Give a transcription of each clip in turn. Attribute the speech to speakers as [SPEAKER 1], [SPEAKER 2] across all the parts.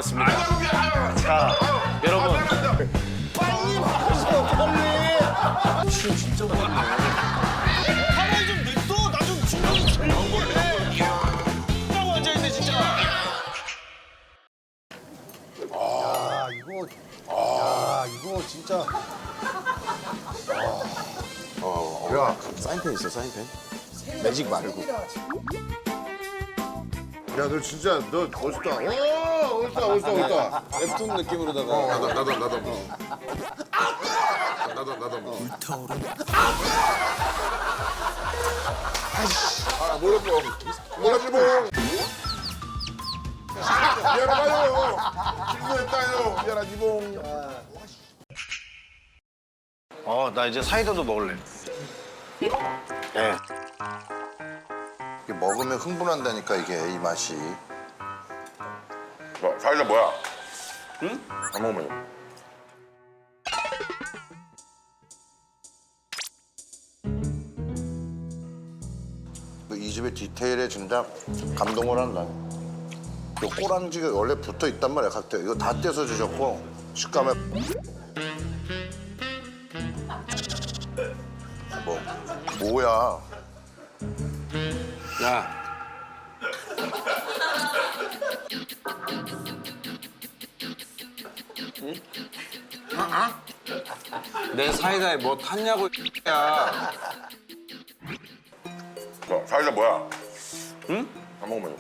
[SPEAKER 1] 좋았습니다. 자, 여러분.
[SPEAKER 2] 빨리 마셔, 빨리.
[SPEAKER 1] 춤 진짜 많네.
[SPEAKER 2] 가만히 좀 냅둬. 나 좀 충분히 즐기게. 라고 앉아있네, 진짜.
[SPEAKER 3] 이거 진짜.
[SPEAKER 4] 야, 사인펜 있어, 사인펜? 매직 말고.
[SPEAKER 3] 야, 너 진짜 너 멋있다. 오, 멋있다.
[SPEAKER 4] 웹툰 느낌으로다가.
[SPEAKER 3] 나도. 몰랐지. 미안하다요. 실수했다요. 미안하지 봉.
[SPEAKER 1] 나 이제 사이다도 먹을래. 네.
[SPEAKER 4] 이게 먹으면 흥분한다니까, 이게, 이 맛이.
[SPEAKER 3] 사이다 뭐야? 응? 안 먹으면.
[SPEAKER 4] 이 집의 디테일에 진짜 감동을 한다. 이 꼬랑지가 원래 붙어 있단 말이야, 각대. 이거 다 떼서 주셨고, 식감에. 뭐야.
[SPEAKER 1] 야. 내 사이다에 뭐 탔냐고, 야.
[SPEAKER 3] 사이다 뭐야? 응? 안 먹으면.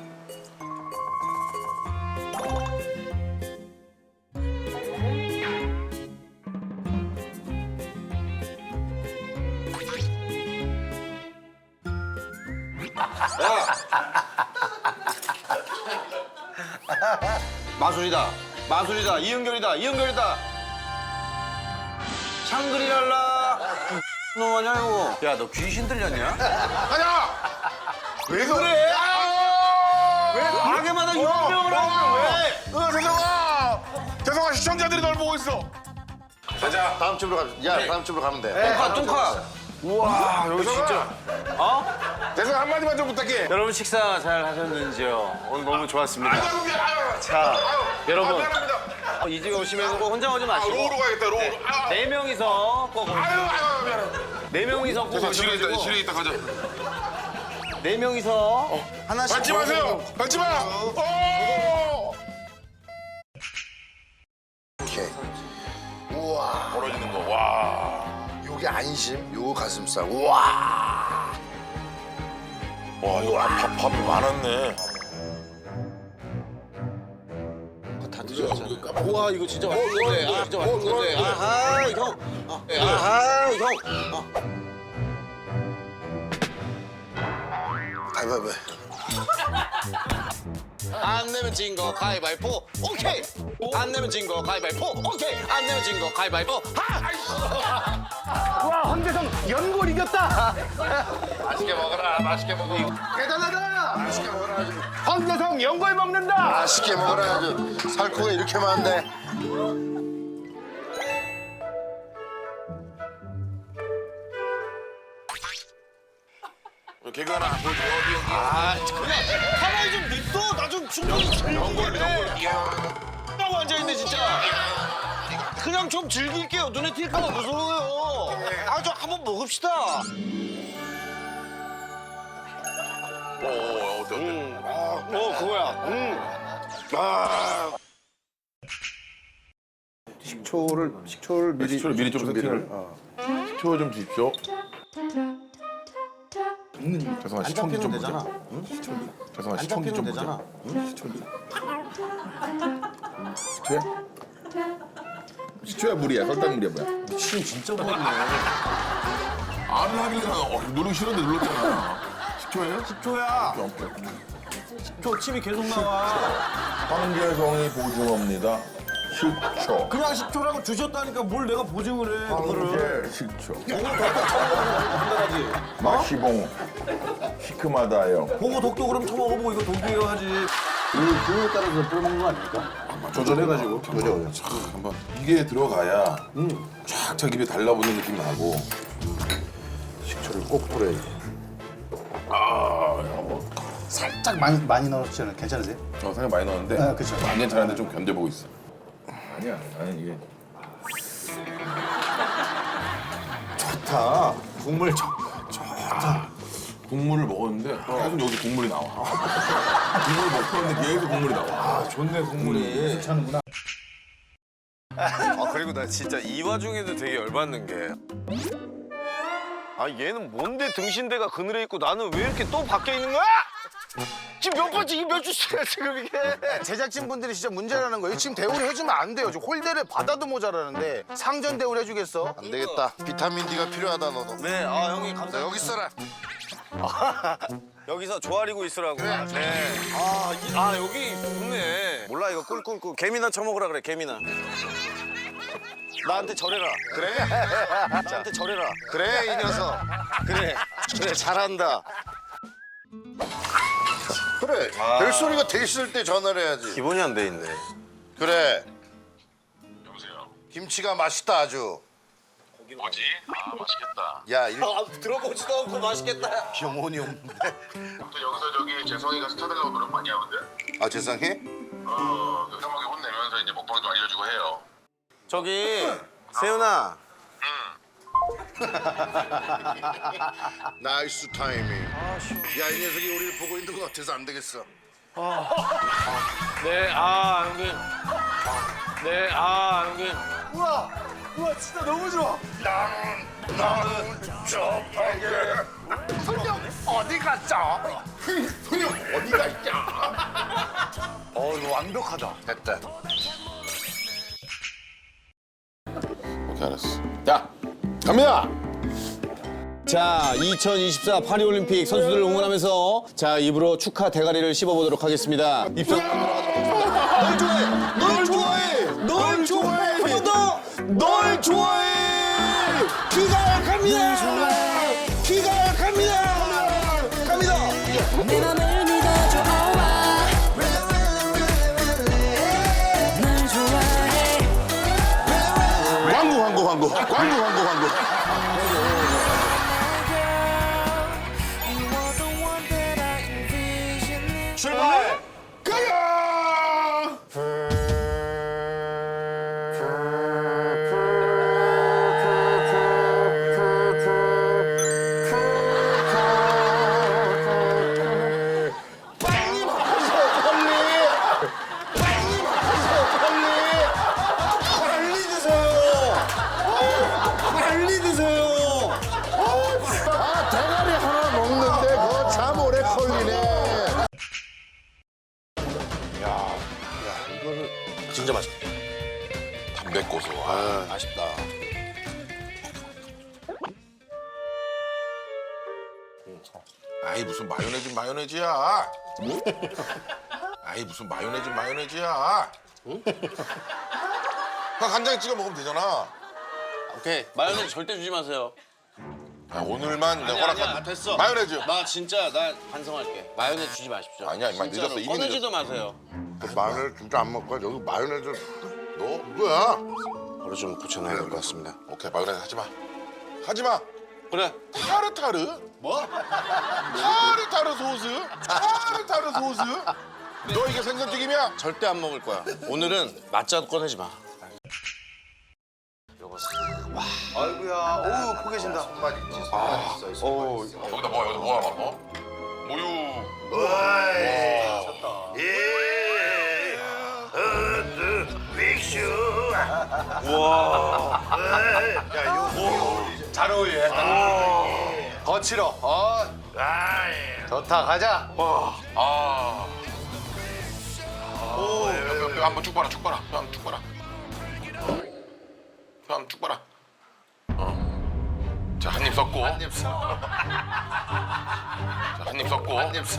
[SPEAKER 1] 마술이다. 이은결이다. 샹그리랄라. 너뭐하냐 이거. 야, 너 귀신 들렸냐?
[SPEAKER 3] 가자! 왜 그래?
[SPEAKER 1] 왜 가게마다 유명을 하냐, 왜?
[SPEAKER 3] 죄송아 시청자들이 널 보고 있어. 가자.
[SPEAKER 4] 다음 집으로 가자. 야, 다음 집으로 가면 돼.
[SPEAKER 1] 뚱카. 우와, 여기 진짜.
[SPEAKER 3] 죄송 한마디만 좀 부탁해.
[SPEAKER 1] 여러분 식사 잘 하셨는지요? 오늘 너무 좋았습니다.
[SPEAKER 3] 자,
[SPEAKER 1] 여러분,
[SPEAKER 3] 미안합니다.
[SPEAKER 1] 이 집에 오시면 꼭 혼자 오지 마시고
[SPEAKER 3] 로우로 가야겠다. 로우.
[SPEAKER 1] 네 명이서 꼭
[SPEAKER 3] 미안해.
[SPEAKER 1] 네 명이서 꼭 오셔가지고
[SPEAKER 3] 실에 있다 가자.
[SPEAKER 1] 네 명이서 하나씩
[SPEAKER 3] 밟지 마세요. 밟지 마.
[SPEAKER 4] 오케이.
[SPEAKER 3] 벌어지는 거. 와.
[SPEAKER 4] 요게 안심, 요거 가슴살. 우와.
[SPEAKER 3] 와 이거 밥이 많았네.
[SPEAKER 1] 다 드셨잖아요. 우와, 이거 진짜 맛있는데. 진짜 맛있는데. 아하, 형. 아하, 형.
[SPEAKER 4] 가위바위보.
[SPEAKER 2] 안 내면 진 거 가위바위보. 오케이. 안 내면 진 거 가위바위보. 오케이. 안 내면 진 거 가위바위보.
[SPEAKER 5] 와, 황재성 연골 이겼다.
[SPEAKER 3] 맛있게 먹어라. 맛있게 먹어.
[SPEAKER 5] 대단하다.
[SPEAKER 4] 맛있게 먹어라 아주.
[SPEAKER 5] 황재성 연골 먹는다.
[SPEAKER 4] 맛있게 먹어라 아주. 살코기가 이렇게 많은데.
[SPEAKER 3] 개그 하나 보여줘. 어디
[SPEAKER 2] 그냥 가만히 좀 냅둬. 나 좀 충분히 즐기게. 라고 앉아있네, 진짜. 그냥 좀 즐길게요. 눈에 띌까봐 무서워요. 좀 한번 먹읍시다.
[SPEAKER 3] 어때?
[SPEAKER 2] 그거야.
[SPEAKER 3] 식초를 미리 좀 세팅을. 식초 좀 주십시오. 죄송한 시청기 좀 보자. 죄송한 시청기 좀 보자. 식초야? 식초야 물이야? 설탕물이야 뭐야?
[SPEAKER 1] 춤 진짜 많네.
[SPEAKER 3] 안 하길래 누르기 싫은데 눌렀잖아. 식초예요?
[SPEAKER 1] 식초야.
[SPEAKER 3] 오케이.
[SPEAKER 1] 식초 침이 계속 나와.
[SPEAKER 3] 황재성이 보증합니다. 식초.
[SPEAKER 1] 그냥 식초라고 주셨다니까 뭘 내가 보증을 해, 그거를.
[SPEAKER 3] 황제 식초.
[SPEAKER 1] 한다지.
[SPEAKER 3] 마시봉. 시큼하다요.
[SPEAKER 1] 보고 독도 그럼 처먹어보고 이거 독이에요 하지.
[SPEAKER 5] 이 기호에 따라서 뿌려먹는 거 아닙니까?
[SPEAKER 3] 조절해가지고.
[SPEAKER 4] 그죠.
[SPEAKER 3] 한번 이게 들어가야 쫙 자기 입에 달라붙는 느낌 나고.
[SPEAKER 4] 식초를 꼭 뿌려야지.
[SPEAKER 5] 살짝 많이 넣었잖아요. 괜찮으세요?
[SPEAKER 3] 생각 많이 넣었는데
[SPEAKER 5] 아, 그쵸.
[SPEAKER 3] 안 괜찮은데 좀 견뎌보고 있어. 아니야, 나는 이게 좋다. 국물 좋다. 국물을 먹었는데 계속 여기서 국물이 나와. 국물을 먹었는데 계속 국물이 나와. 아, 좋네 국물이.
[SPEAKER 5] 괜찮은구나.
[SPEAKER 2] 아 그리고 나 진짜 이 와중에도 되게 열받는 게. 아 얘는 뭔데 등신대가 그늘에 있고 나는 왜 이렇게 또 밖에 있는 거야? 지금 몇 번째 이게 몇 주째야 지금 이게.
[SPEAKER 6] 제작진분들이 진짜 문제라는 거예요. 지금 대우를 해주면 안 돼요. 지금 홀대를 받아도 모자라는데 상전 대우를 해주겠어?
[SPEAKER 4] 안 되겠다. 비타민 D가 필요하다 너도.
[SPEAKER 2] 네, 아 형님
[SPEAKER 4] 자,
[SPEAKER 2] 감사합니다.
[SPEAKER 4] 여기 있어라.
[SPEAKER 2] 여기서 조아리고 있으라고. 네. 아 여기 좋네. 몰라 이거 꿀꿀꿀 개미나 쳐먹으라 그래 개미나. 나한테 절해라. 그래? 나한테 절해라. 그래 이 녀석. 그래 잘한다.
[SPEAKER 4] 그래. 별소리가 돼 있을 때 전화를 해야지.
[SPEAKER 2] 기본이 안 돼 있네.
[SPEAKER 4] 그래.
[SPEAKER 7] 여보세요.
[SPEAKER 4] 김치가 맛있다 아주.
[SPEAKER 7] 뭐지? 아 맛있겠다.
[SPEAKER 4] 야,
[SPEAKER 2] 들어보지도 않고 맛있겠다.
[SPEAKER 4] 영혼이 없는데.
[SPEAKER 7] 또 여기서 저기 재성이가 스타 되려고 노력 많이 하거든.
[SPEAKER 4] 아, 세상에?
[SPEAKER 7] 그 형하게 혼내면서 이제 먹방도 알려주고 해요.
[SPEAKER 2] 저기 세훈아.
[SPEAKER 4] 나이스 타이밍. 야, 이 녀석이 우리를 보고 있는 것 같아서 안 되겠어.
[SPEAKER 2] 네, 아 형님. 네, 아 형님.
[SPEAKER 5] 우와, 진짜 너무 좋아.
[SPEAKER 4] 나는 좁하게. 손님 어디 갔죠? 손님 어디 갔죠?
[SPEAKER 6] 이거 완벽하다.
[SPEAKER 4] 됐다.
[SPEAKER 3] 오케이 알았어. 야, 갑니다.
[SPEAKER 1] 자, 2024 파리올림픽 선수들을 응원하면서 자, 입으로 축하 대가리를 씹어보도록 하겠습니다. 입장 널 좋아해! 널 좋아해! 널 좋아해! 한 번 더! 널 좋아해! 귀가 약합니다! 귀가 약합니다! 갑니다!
[SPEAKER 8] 내 맘을 믿어줘 널 좋아해
[SPEAKER 3] 광고.
[SPEAKER 2] 출발.
[SPEAKER 1] 빨리 드세요!
[SPEAKER 4] 아, 대가리 하나 먹는데 그거 참 오래 걸리네.
[SPEAKER 2] 진짜 맛있다.
[SPEAKER 3] 담배 고소.
[SPEAKER 2] 맛있다.
[SPEAKER 3] 아이 무슨 마요네즈야. 아이 무슨 마요네즈야. 그냥 간장에 찍어 먹으면 되잖아.
[SPEAKER 1] 오케이, 마요네즈 절대 주지 마세요.
[SPEAKER 3] 아, 오늘만 내가 허락한
[SPEAKER 1] 됐어.
[SPEAKER 3] 마요네즈.
[SPEAKER 1] 나 진짜 나 반성할게. 마요네즈 주지 마십시오.
[SPEAKER 3] 아니야, 이만
[SPEAKER 1] 진짜로.
[SPEAKER 3] 늦었어, 이미
[SPEAKER 1] 꺼내지도 마세요.
[SPEAKER 4] 마요네즈 진짜 안 먹고 여기 마요네즈 너 뭐야?
[SPEAKER 2] 바로 좀 고쳐놔야 될 것 같습니다.
[SPEAKER 3] 오케이 마요네즈 하지 마.
[SPEAKER 1] 그래.
[SPEAKER 3] 타르타르? 뭐? 타르타르 소스? 너 이게 생선튀김이야?
[SPEAKER 1] 절대 안 먹을 거야. 오늘은 맛자도 꺼내지 마.
[SPEAKER 6] 아이고야. 오, 코 계신다.
[SPEAKER 4] 손맛 있지, 손맛 있어.
[SPEAKER 3] 여기다 뭐야 뭐? 모유.
[SPEAKER 6] 잘 어울려. 거칠어. 좋다. 가자.
[SPEAKER 3] 아. 오, 뼈 한번 쭉 봐라. 뼈 쭉 봐라. 자, 한 입 섞고. 자, 한 입 섞고.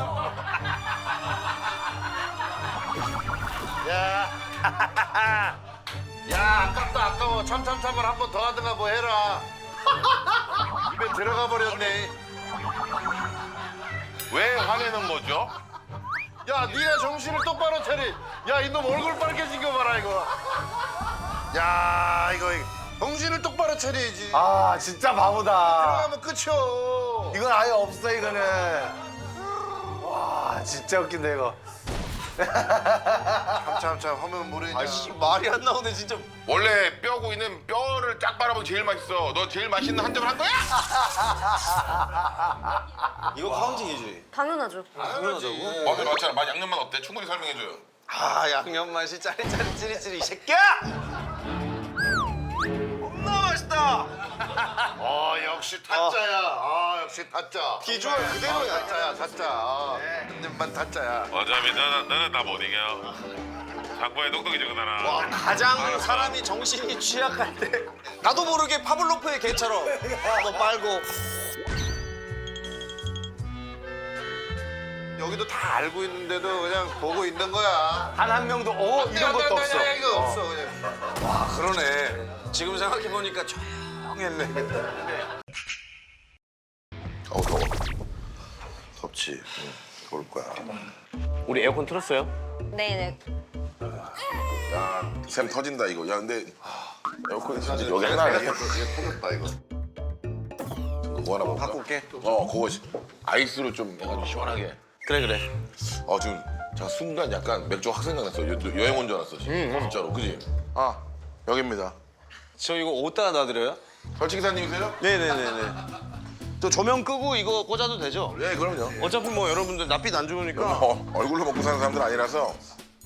[SPEAKER 4] 야, 아까워. 참참참을 한 번 더 하든가 뭐 해라. 입에 들어가 버렸네.
[SPEAKER 3] 왜 화내는 거죠?
[SPEAKER 4] 야, 네가 정신을 똑바로 차리. 야, 이놈 얼굴 빨개진 거 봐라 이거. 야, 이거 정신을 똑바로 차려야지.
[SPEAKER 6] 아, 진짜 바보다.
[SPEAKER 4] 들어가면 끝이요.
[SPEAKER 6] 이건 아예 없어, 이거는. 와, 진짜 웃긴다 이거.
[SPEAKER 4] 참참참 하면 모르냐.
[SPEAKER 2] 아씨 말이 안 나오네 진짜.
[SPEAKER 7] 원래 뼈구이는 뼈를 쫙 빨아먹으면 제일 맛있어. 너 제일 맛있는 한 점을 한 거야?
[SPEAKER 2] 이거 카운팅이지.
[SPEAKER 9] 당연하죠.
[SPEAKER 2] 당연하다고.
[SPEAKER 7] 맛은 맞잖아. 맛 양념만 어때? 충분히 설명해줘요.
[SPEAKER 2] 아 양념 맛이 짜리짜리 찌리찌리 이 새끼야! 겁나 맛있다.
[SPEAKER 4] 역시 타짜야. 역시 타짜.
[SPEAKER 2] 비주얼 그대로야.
[SPEAKER 4] 타짜야 타짜. 한 입만 타짜야.
[SPEAKER 7] 어차피 너는 나 못 이겨. 장보에 똑똑해지거든.
[SPEAKER 2] 와 가장 사람이 정신이 취약할 때 나도 모르게 파블로프의 개처럼 한번 빨고.
[SPEAKER 4] 여기도 다 알고 있는데도 그냥 보고 있는 거야.
[SPEAKER 6] 단 한 명도 이런 것도 없어.
[SPEAKER 4] 이거 없어 그냥.
[SPEAKER 2] 와 그러네. 지금 생각해 보니까 조용했네.
[SPEAKER 4] 더워. 덥지. 올 거야.
[SPEAKER 1] 우리 에어컨 틀었어요?
[SPEAKER 9] 네네.
[SPEAKER 7] 샘 터진다 이거. 야 근데 에어컨이 진짜
[SPEAKER 4] 여기
[SPEAKER 7] 하나 아니야?
[SPEAKER 4] 터졌다 이거.
[SPEAKER 7] 그거 하나 먹을까?
[SPEAKER 2] 갖고 올게.
[SPEAKER 7] 그거 아이스로 좀 해가지고 시원하게.
[SPEAKER 2] 그래.
[SPEAKER 7] 지금 제가 순간 약간 맥주 확 생각났어. 여행 온 줄 알았어. 지금. 진짜로, 그지?
[SPEAKER 4] 여기입니다.
[SPEAKER 2] 저 이거 어디다 놔드려요?
[SPEAKER 7] 설치기사님이세요?
[SPEAKER 2] 네네네네. 또 조명 끄고 이거 꽂아도 되죠?
[SPEAKER 7] 네, 그럼요.
[SPEAKER 2] 어차피 뭐 여러분들 낯빛 안 좋으니까.
[SPEAKER 7] 얼굴로 먹고 사는 사람들 아니라서.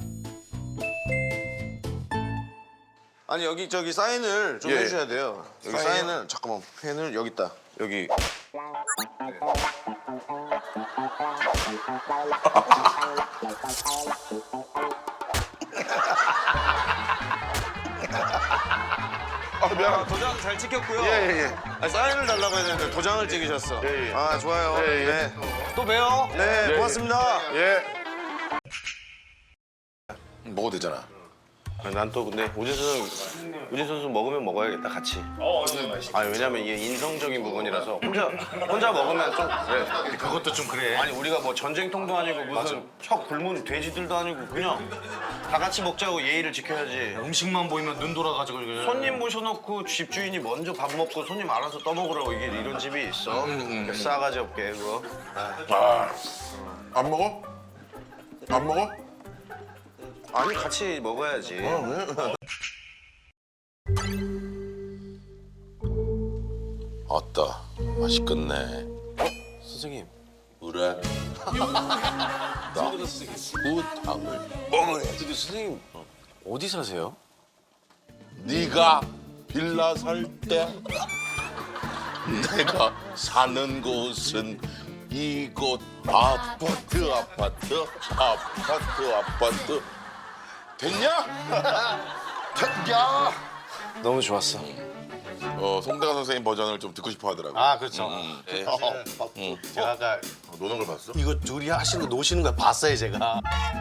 [SPEAKER 2] 아니 여기 저기 사인을 좀
[SPEAKER 7] 예.
[SPEAKER 2] 해주셔야 돼요. 여기
[SPEAKER 7] 사인이요?
[SPEAKER 2] 사인을 잠깐만 펜을 여기 있다. 여기.
[SPEAKER 7] 미안합니다.
[SPEAKER 2] 도장 잘 찍혔고요.
[SPEAKER 7] 예.
[SPEAKER 2] 아니, 사인을 달라고 해야 되는데 도장을 찍으셨어.
[SPEAKER 7] 예.
[SPEAKER 2] 아 좋아요.
[SPEAKER 7] 예.
[SPEAKER 2] 네. 또 봬요. 네, 고맙습니다.
[SPEAKER 7] 예. 먹어도 되잖아.
[SPEAKER 2] 난 또 근데 우진 선수 먹으면 먹어야겠다 같이. 아니 왜냐면 이게 인성적인 부분이라서 혼자 먹으면 좀 그래.
[SPEAKER 6] 그것도 좀 그래.
[SPEAKER 2] 아니 우리가 뭐 전쟁통도 아니고 무슨 척 굶은 돼지들도 아니고 그냥 다 같이 먹자고 예의를 지켜야지.
[SPEAKER 6] 음식만 보이면 눈 돌아가지고 그래.
[SPEAKER 2] 손님 모셔놓고 집주인이 먼저 밥 먹고 손님 알아서 떠먹으라고 이게 이런 집이 있어. 싸가지 없게 그거.
[SPEAKER 7] 안 먹어? 안 먹어?
[SPEAKER 2] 아니 같이 먹어야지.
[SPEAKER 7] 아따, 맛있겠네.
[SPEAKER 1] 선생님.
[SPEAKER 7] 그래. 나 우탕을 먹어야지.
[SPEAKER 1] 근데 선생님 어디 사세요?
[SPEAKER 7] 네가 빌라 살 때 내가 사는 곳은 이곳 아파트 됐냐? 됐냐?
[SPEAKER 2] 너무 좋았어.
[SPEAKER 7] 송대관 선생님 버전을 좀 듣고 싶어 하더라고.
[SPEAKER 6] 아 그렇죠. 제가 아까
[SPEAKER 7] 노는 걸 봤어?
[SPEAKER 6] 이거 둘이 하시는 거 노시는 거 봤어요 제가.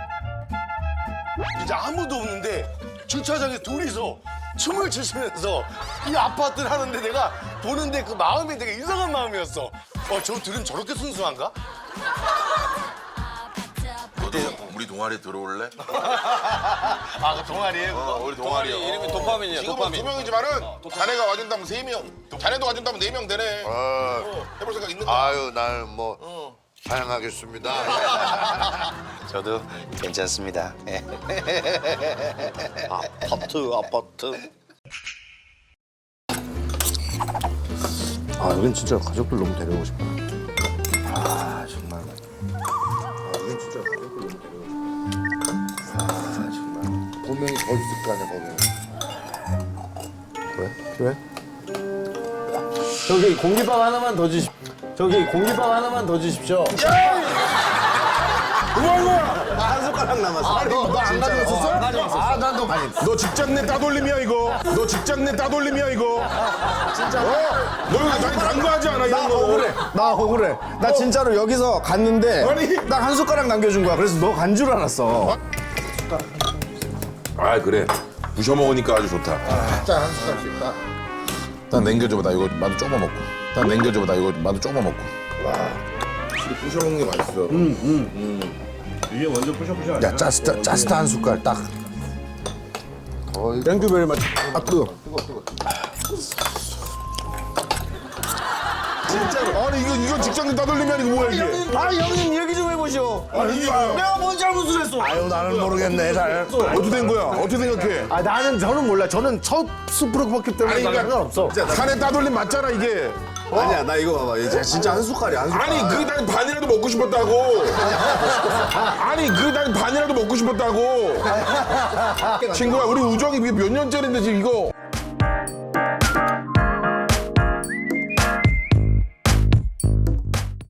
[SPEAKER 6] 이제 아무도 없는데 주차장에 둘이서 춤을 추시면서 이 아파트를 하는데 내가 보는데 그 마음이 되게 이상한 마음이었어. 저 둘은 저렇게 순수한가?
[SPEAKER 7] 너도 우리 동아리 들어올래?
[SPEAKER 6] 아, 그 동아리에 그거?
[SPEAKER 7] 우리 동아리야.
[SPEAKER 2] 이름이 도파민이야.
[SPEAKER 7] 지금은
[SPEAKER 2] 도파민.
[SPEAKER 7] 2명이지만은 자네가 와준다면 3명, 자네도 와준다면 4명 되네. 해볼 생각 있는 거야?
[SPEAKER 4] 아유 날 뭐 사양하겠습니다.
[SPEAKER 6] 저도 괜찮습니다. 아파트.
[SPEAKER 5] 아 여긴 진짜 가족들 너무 데려오고 싶다. 아 정말. 여긴 진짜 가족들 너무 데려오고 싶다. 아 정말.
[SPEAKER 4] 분명히 더 있을 거 아니야 거기.
[SPEAKER 5] 왜? 필요해? 저기 공깃밥 하나만 더 주십. 저기 공깃밥 하나만 더 주십시오.
[SPEAKER 6] 한 숟가락 남았어.
[SPEAKER 5] 너안 가져왔었어? 안 가져왔었어. 아, 난 너. 아니,
[SPEAKER 3] 너 직장 내 따돌림이야 이거. 너 직장 내 따돌림이야 이거. 진짜. 너 이거 난 간과하지 않아
[SPEAKER 5] 나
[SPEAKER 3] 이런 거.
[SPEAKER 5] 억울해. 나 억울해. 나 진짜로 여기서 갔는데
[SPEAKER 3] 아니.
[SPEAKER 5] 딱 한 숟가락 남겨준 거야. 그래서 너 간 줄 알았어.
[SPEAKER 3] 아 그래. 부셔 먹으니까 아주 좋다.
[SPEAKER 4] 짠한 숟갈씩 딱.
[SPEAKER 3] 난 남겨줘봐. 나 이거 마도 조금 먹고. 난 남겨줘봐. 나 이거 마도 조금 먹고. 확실히 부셔 먹는 게 맛있어.
[SPEAKER 5] 야, 짜스타 한 숟갈 딱. 땡큐 베리 맛. 아, 뜨거.
[SPEAKER 3] 진짜로. 아니 이거 직장 내 따돌림이 아니고 뭐야 이게.
[SPEAKER 5] 아, 형님 얘기 좀 해보시오.
[SPEAKER 2] 내가 뭔 잘못을 했어?
[SPEAKER 5] 아유 나는 모르겠네 잘.
[SPEAKER 3] 어떻게 된 거야? 어떻게 생각해?
[SPEAKER 5] 저는 몰라. 저는 첫 숯불을 굽었기 때문에 상관없어.
[SPEAKER 3] 산에 따돌림 맞잖아 이게.
[SPEAKER 6] 아니야 나 이거 봐봐. 이게 진짜 한 숟갈이야 한 숟갈.
[SPEAKER 3] 아니 난 반이라도 먹고 싶었다고. 아니 난 반이라도 먹고 싶었다고. 친구야 우리 우정이 이게 몇 년째인데 지금 이거.